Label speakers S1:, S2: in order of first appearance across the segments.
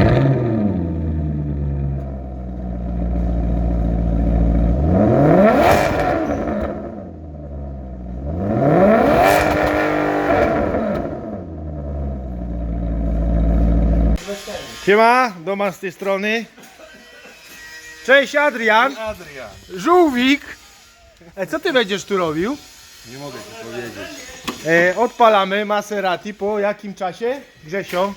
S1: Siema, Doman z tej strony. Cześć Adrian.
S2: Adrian.
S1: Żółwik. Co ty będziesz tu robił?
S2: Nie mogę ci powiedzieć.
S1: Odpalamy Maserati po jakim czasie? Grzesio?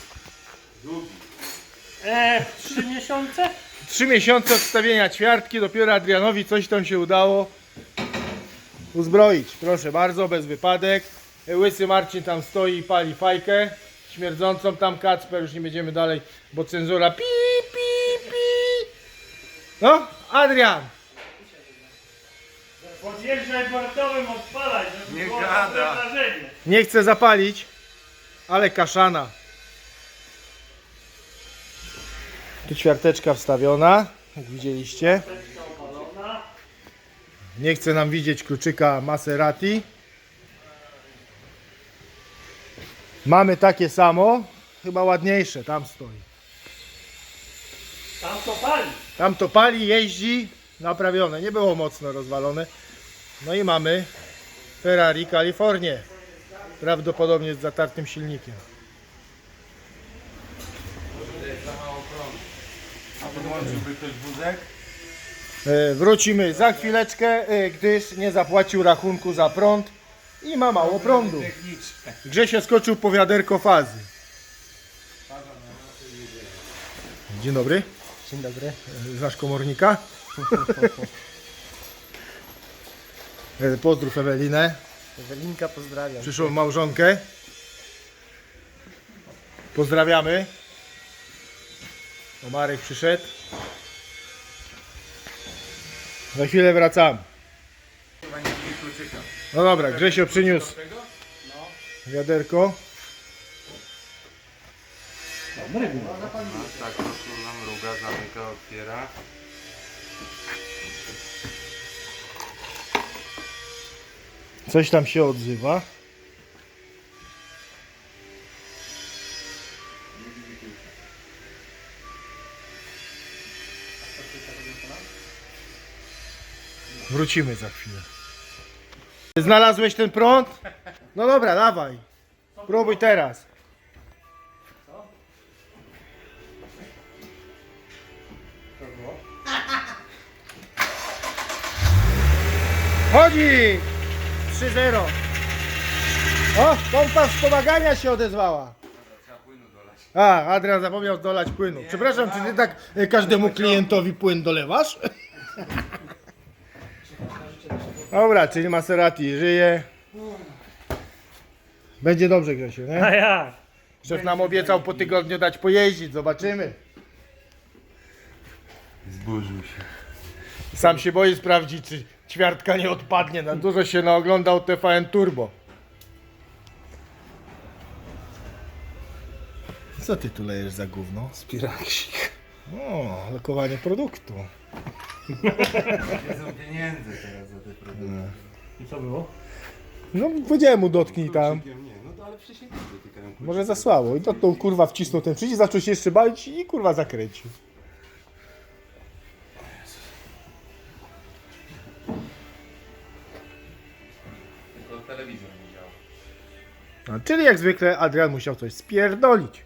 S3: 3 miesiące?
S1: 3 miesiące odstawienia ćwiartki, dopiero Adrianowi coś tam się udało uzbroić. Proszę bardzo, bez wypadek. Łysy Marcin tam stoi i pali fajkę śmierdzącą tam. Kacper, już nie będziemy dalej, bo cenzura pi, pi, pi. No, Adrian.
S3: Podjeżdżaj portowym, odpalaj, żeby
S2: Nie
S3: było
S2: gada.
S3: dobre wrażenie.
S1: Nie chcę zapalić, ale kaszana. Tu ćwiarteczka wstawiona, jak widzieliście.
S3: Teczka opalona.
S1: Nie chce nam widzieć kluczyka Maserati. Mamy takie samo, chyba ładniejsze, tam stoi.
S3: Tam to pali.
S1: Tam to pali, jeździ, naprawione, nie było mocno rozwalone. No i mamy Ferrari Kalifornię, prawdopodobnie z zatartym silnikiem.
S2: A podłączyłby ktoś wózek?
S1: Wrócimy za chwileczkę, gdyż nie zapłacił rachunku za prąd i ma mało prądu.
S2: Techniczne.
S1: Grzesio skoczył po wiaderko fazy. Dzień dobry.
S4: Dzień dobry.
S1: Znasz komornika? Pozdrów Ewelinę,
S4: Ewelinka, pozdrawiam.
S1: przyszłą małżonkę. Pozdrawiamy. O, Marek przyszedł. Za chwilę wracamy.
S2: Chyba nie mieli kluczyka.
S1: No dobra, Grzesio przyniósł wiaderko.
S2: Tak, to nam mruga, zamyka, otwiera.
S1: Coś tam się odzywa. Wrócimy za chwilę. Znalazłeś ten prąd? No dobra, dawaj. Próbuj teraz. Chodzi! 3-0. O, pompa wspomagania się odezwała. A, Adrian zapomniał dolać płynu. Przepraszam, czy ty tak każdemu klientowi płyn dolewasz? Dobra, czyli Maserati żyje. Będzie dobrze, Grzesiu,
S3: A
S1: nie?
S3: jak?
S1: Szef nam obiecał po tygodniu dać pojeździć, zobaczymy.
S2: Zburzył się.
S1: Sam się boję sprawdzić, czy ćwiartka nie odpadnie. Na dużo się naoglądał TVN Turbo. Co ty tu lejesz za gówno?
S2: Spiraksik.
S1: O, lokowanie produktu.
S2: Nie są pieniędzy teraz za te produkty.
S3: I co było?
S1: No powiedziałem mu dotknij tam.
S2: Kluczykiem nie, no to ale przysięgam dotykają kluczyk.
S1: Może zasłało. I dotknął, kurwa, wcisnął ten przycisk, zaczął się jeszcze bawić i kurwa zakręcił.
S2: Tylko telewizor nie działa.
S1: No, czyli jak zwykle Adrian musiał coś spierdolić.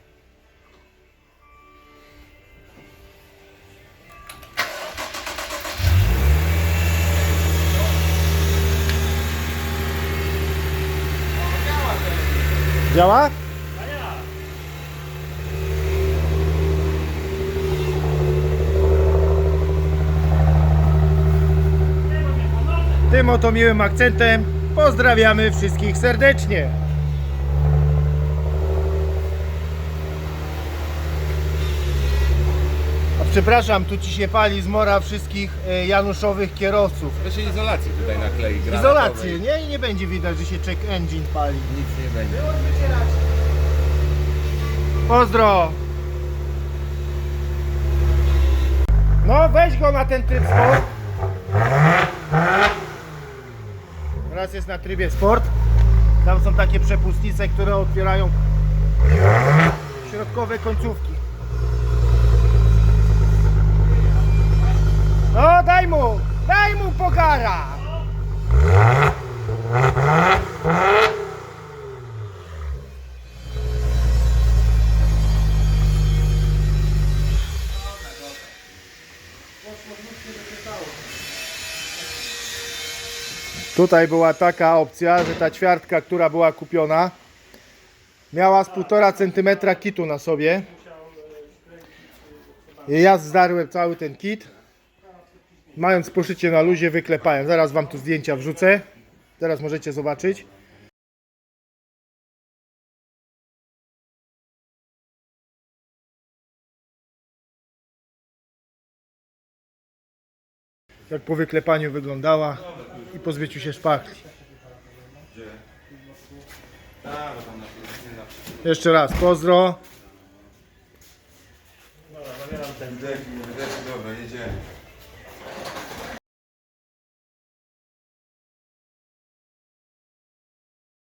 S1: Działa?
S3: A jak?
S1: Tym oto miłym akcentem pozdrawiamy wszystkich serdecznie. A przepraszam, tu ci się pali zmora wszystkich januszowych kierowców.
S2: To się izolację tutaj naklei.
S1: Izolację, nie? I nie będzie widać, że się check engine pali.
S2: Nic nie będzie.
S1: Pozdro! No weź go na ten tryb sport. Teraz jest na trybie sport. Tam są takie przepustnice, które otwierają środkowe końcówki. No daj mu pogara! Tutaj była taka opcja, że ta ćwiartka, która była kupiona, miała z 1,5 cm kitu na sobie. I ja zdarłem cały ten kit. Mając poszycie na luzie, wyklepałem. Zaraz wam tu zdjęcia wrzucę. Teraz możecie zobaczyć. Jak po wyklepaniu wyglądała i po zbyciu się szpachli.
S2: Tak, bo tam nie na
S1: Jeszcze raz pozdro.
S3: Dobra, zabieram ten.
S2: wydech, dobra, jedziemy.